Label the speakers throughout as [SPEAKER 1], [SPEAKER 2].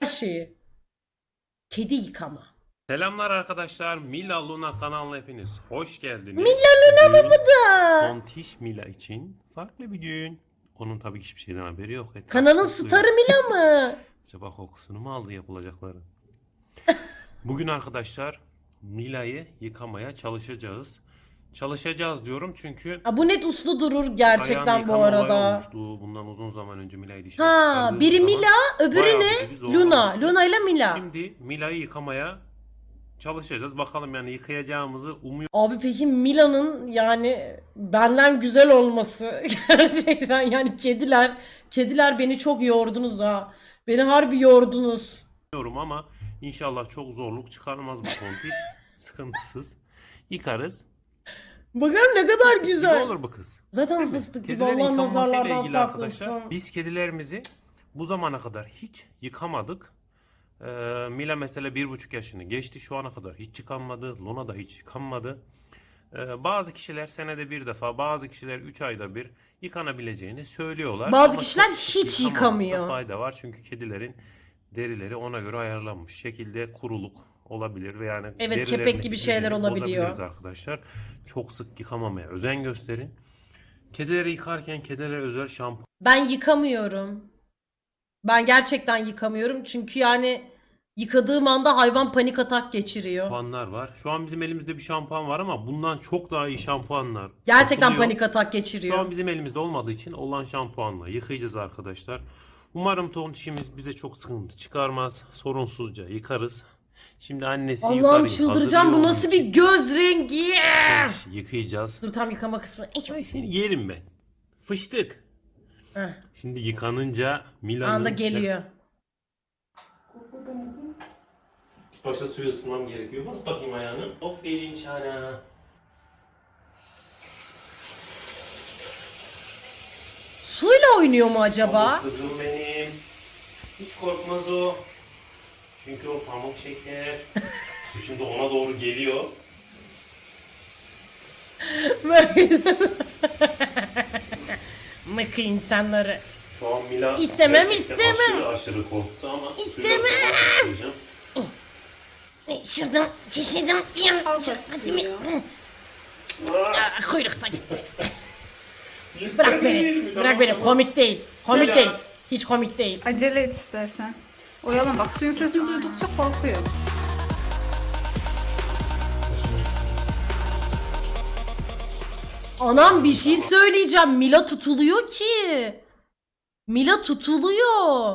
[SPEAKER 1] her şeyi. Kedi yıkama.
[SPEAKER 2] Selamlar arkadaşlar. Mila Luna kanalına hepiniz hoş geldiniz.
[SPEAKER 1] Mila Luna mı bu da?
[SPEAKER 2] Tontiş Mila için farklı bir gün. Onun tabii ki hiçbir şeyden haberi yok.
[SPEAKER 1] Kanalın starı Mila mı?
[SPEAKER 2] Acaba kokusunu mu aldı yapılacakları? Bugün arkadaşlar Mila'yı yıkamaya çalışacağız. Çalışacağız diyorum çünkü
[SPEAKER 1] Ha, bu net uslu durur gerçekten
[SPEAKER 2] ayağını
[SPEAKER 1] bu
[SPEAKER 2] yıkama olayı
[SPEAKER 1] arada.
[SPEAKER 2] olmuştu. Bundan uzun zaman önce Mila'yı dışarı
[SPEAKER 1] Ha,
[SPEAKER 2] çıkardığımız
[SPEAKER 1] biri
[SPEAKER 2] zaman
[SPEAKER 1] Mila, öbürü
[SPEAKER 2] bayağı
[SPEAKER 1] ne?
[SPEAKER 2] bizi
[SPEAKER 1] Luna.
[SPEAKER 2] zorlamıştı.
[SPEAKER 1] Luna ile Mila.
[SPEAKER 2] Şimdi Mila'yı yıkamaya çalışacağız. Bakalım yani yıkayacağımızı umuyorum.
[SPEAKER 1] Abi peki Mila'nın yani benden güzel olması gerçekten yani kediler beni çok yordunuz ha. Beni harbi yordunuz.
[SPEAKER 2] Ama inşallah çok zorluk çıkarmaz bu tontiş. Sıkıntısız. Yıkarız.
[SPEAKER 1] Bakın ne kadar
[SPEAKER 2] Gibi
[SPEAKER 1] güzel.
[SPEAKER 2] olur bu kız.
[SPEAKER 1] Zaten fıstık gibi
[SPEAKER 2] Kedilerin
[SPEAKER 1] Allah
[SPEAKER 2] yıkanmasıyla
[SPEAKER 1] nazarlardan
[SPEAKER 2] ilgili arkadaşlar.
[SPEAKER 1] saklasın.
[SPEAKER 2] Biz kedilerimizi bu zamana kadar hiç yıkamadık. Mila mesela 1,5 yaşını geçti. Şu ana kadar hiç yıkanmadı. Luna da hiç yıkanmadı. Bazı kişiler senede bir defa, bazı kişiler 3 ayda bir yıkanabileceğini söylüyorlar.
[SPEAKER 1] Bazı
[SPEAKER 2] Ama
[SPEAKER 1] kişiler
[SPEAKER 2] çok sık
[SPEAKER 1] hiç
[SPEAKER 2] yıkamamakta
[SPEAKER 1] yıkamıyor.
[SPEAKER 2] fayda var. Çünkü kedilerin derileri ona göre ayarlanmış. Şekilde kuruluk olabilir ve yani
[SPEAKER 1] Evet,
[SPEAKER 2] derilerini,
[SPEAKER 1] kepek gibi şeyler
[SPEAKER 2] düzeni
[SPEAKER 1] olabiliyor.
[SPEAKER 2] bozabiliriz arkadaşlar. Çok sık yıkamamaya özen gösterin. Kedileri yıkarken kedilere özel şampuan
[SPEAKER 1] Ben yıkamıyorum. Ben gerçekten yıkamıyorum çünkü yani yıkadığım anda hayvan panik atak geçiriyor.
[SPEAKER 2] şampuanlar var. Şu an bizim elimizde bir şampuan var ama bundan çok daha iyi şampuanlar
[SPEAKER 1] Gerçekten
[SPEAKER 2] satılıyor.
[SPEAKER 1] panik atak
[SPEAKER 2] Şu
[SPEAKER 1] geçiriyor.
[SPEAKER 2] an bizim elimizde olmadığı için olan şampuanla yıkayacağız arkadaşlar. Umarım tontişimiz bize çok sıkıntı çıkarmaz. Sorunsuzca yıkarız. Şimdi annesi
[SPEAKER 1] Allah'ım
[SPEAKER 2] yukarıyı
[SPEAKER 1] çıldıracağım, bu
[SPEAKER 2] hazırlıyor
[SPEAKER 1] nasıl
[SPEAKER 2] onun
[SPEAKER 1] bir
[SPEAKER 2] için.
[SPEAKER 1] göz rengi?
[SPEAKER 2] Tontişi yıkayacağız.
[SPEAKER 1] Dur, tam yıkama kısmı.
[SPEAKER 2] Ay seni yerim ben. Fıştık.
[SPEAKER 1] Heh,
[SPEAKER 2] Şimdi yıkanınca Mila'nın...
[SPEAKER 1] anda geliyor.
[SPEAKER 2] Başta suyu ısınmam gerekiyor. Bas bakayım ayağını. Aferin Şana.
[SPEAKER 1] Suyla oynuyor mu acaba?
[SPEAKER 2] Pamuk kızım benim. Hiç korkmaz o. Çünkü o pamuk şeker. Su şimdi ona doğru geliyor.
[SPEAKER 1] Mıkı insanları.
[SPEAKER 2] Şu an Mila
[SPEAKER 1] İstemem,
[SPEAKER 2] gerçekten
[SPEAKER 1] istemem.
[SPEAKER 2] aşırı korktu ama
[SPEAKER 1] İstemem. Şırdım, keşirdim. Kuyrukta gitti. Bırak beni. Bırak beni. Komik değil. Komik
[SPEAKER 2] Mila.
[SPEAKER 1] değil. Hiç komik değil.
[SPEAKER 3] Acele et istersen. Oyalan, bak suyun sesini duydukça korkuyor.
[SPEAKER 1] Anam bir şey söyleyeceğim. Mila tutuluyor ki. Mila tutuluyor.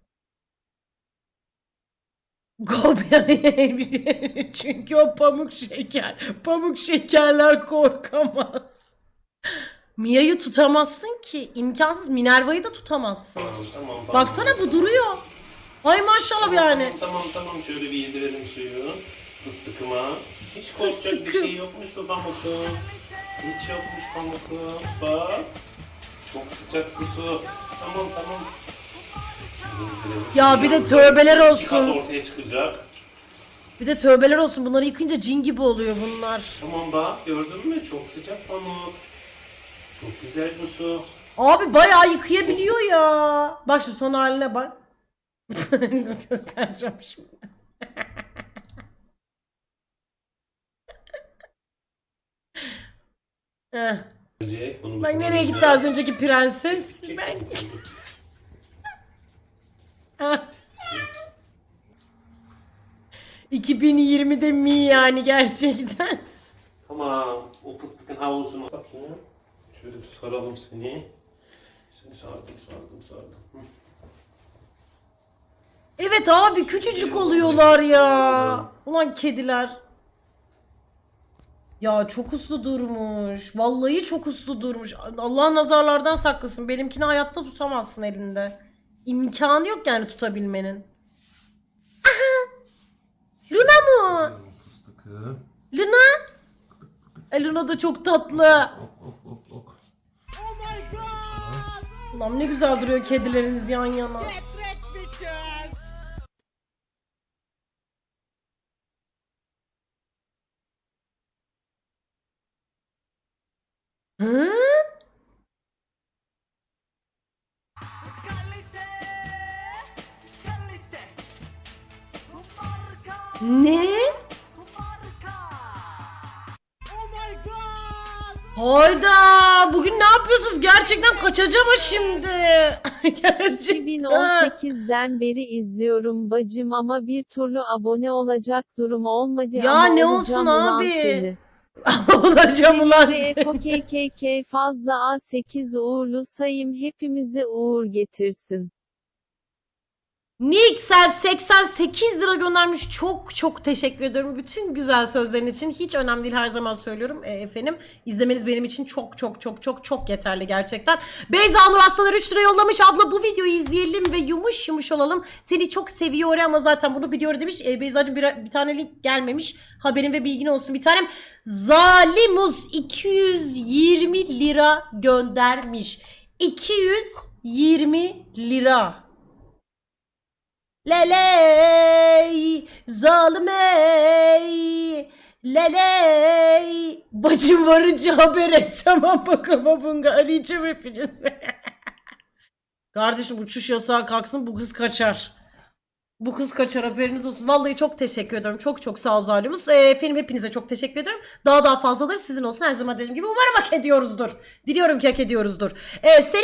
[SPEAKER 1] Kopya. Çünkü o pamuk şeker. Pamuk şekerler korkamaz. Mia'yı tutamazsın ki. İmkansız. Minerva'yı da tutamazsın.
[SPEAKER 2] Tamam.
[SPEAKER 1] Baksana, bu duruyor. Ay maşallah yani.
[SPEAKER 2] Tamam şöyle bir yedirelim suyu. Fıstıkıma. Hiç korkacak bir
[SPEAKER 1] Fıstıkım.
[SPEAKER 2] şey yokmuş bu pamukum. Hiç yokmuş pamukum. Bak. Çok sıcak bu su. Tamam.
[SPEAKER 1] Ya bir de tövbeler
[SPEAKER 2] Kat
[SPEAKER 1] olsun.
[SPEAKER 2] ortaya çıkacak.
[SPEAKER 1] Bir de tövbeler olsun. Bunları yıkınca cin gibi oluyor bunlar.
[SPEAKER 2] Tamam bak gördün mü? Çok sıcak pamuk. Çok güzel bu su.
[SPEAKER 1] Abi bayağı yıkayabiliyor ya. Bak şimdi son haline bak. Dur, göstereceğim şimdi. Heh.
[SPEAKER 2] Önce bunu
[SPEAKER 1] Bak nereye gitti
[SPEAKER 2] kullanacağız.
[SPEAKER 1] az önceki prenses? Ben... Heh. 2020'de mi yani gerçekten?
[SPEAKER 2] Tamam. O fıstıkın havlusunu bakayım. Şöyle bir saralım seni. Seni sardım. Hı.
[SPEAKER 1] Evet abi, küçücük oluyorlar ya. Ulan kediler. Ya çok uslu durmuş. Vallahi çok uslu durmuş. Allah nazarlardan saklasın. Benimkini hayatta tutamazsın elinde. İmkanı yok yani tutabilmenin. Aha! Luna mı?
[SPEAKER 2] Fıstıkı.
[SPEAKER 1] Luna? Luna da çok tatlı.
[SPEAKER 2] Ok.
[SPEAKER 1] Ulan ne güzel duruyor kedileriniz yan yana. Hı? Ne? Hayda! Bugün ne yapıyorsunuz? Gerçekten kaçacağım ha şimdi. Gerçekten.
[SPEAKER 4] 2018'den beri izliyorum bacım ama bir türlü abone olacak durum olmadı
[SPEAKER 1] Ya
[SPEAKER 4] ama
[SPEAKER 1] ne
[SPEAKER 4] olacağım
[SPEAKER 1] olsun
[SPEAKER 4] ulan
[SPEAKER 1] abi?
[SPEAKER 4] seni.
[SPEAKER 1] Olacağım ulan
[SPEAKER 4] Ve
[SPEAKER 1] seni.
[SPEAKER 4] KKK fazla A8 uğurlu sayım hepimize uğur getirsin.
[SPEAKER 1] Nixel 88 lira göndermiş. Çok çok teşekkür ediyorum. Bütün güzel sözlerin için. Hiç önemli değil, her zaman söylüyorum. Efendim izlemeniz benim için çok çok çok çok çok yeterli gerçekten. Beyza Nur Aslanlar 3 lira yollamış. Abla bu videoyu izleyelim ve yumuş yumuş olalım. Seni çok seviyor ama zaten bunu biliyor demiş. Beyza'cığım bir tane link gelmemiş. Haberin ve bilgin olsun bir tanem. Zalimuz 220 lira göndermiş. 220 lira. Leley, zalimey, leley. Bacım varınca haber et. Tamam bakalım bunga arayacağım hepinizi. Kardeşim uçuş yasağı kalksın, bu kız kaçar. Bu kız kaçar, haberiniz olsun. Vallahi çok teşekkür ederim. Çok çok sağ ol Zalimuz. Efendim hepinize çok teşekkür ederim. Daha fazlaları sizin olsun. Her zaman dediğim gibi umarım hak ediyoruzdur. Diliyorum ki hak ediyoruzdur.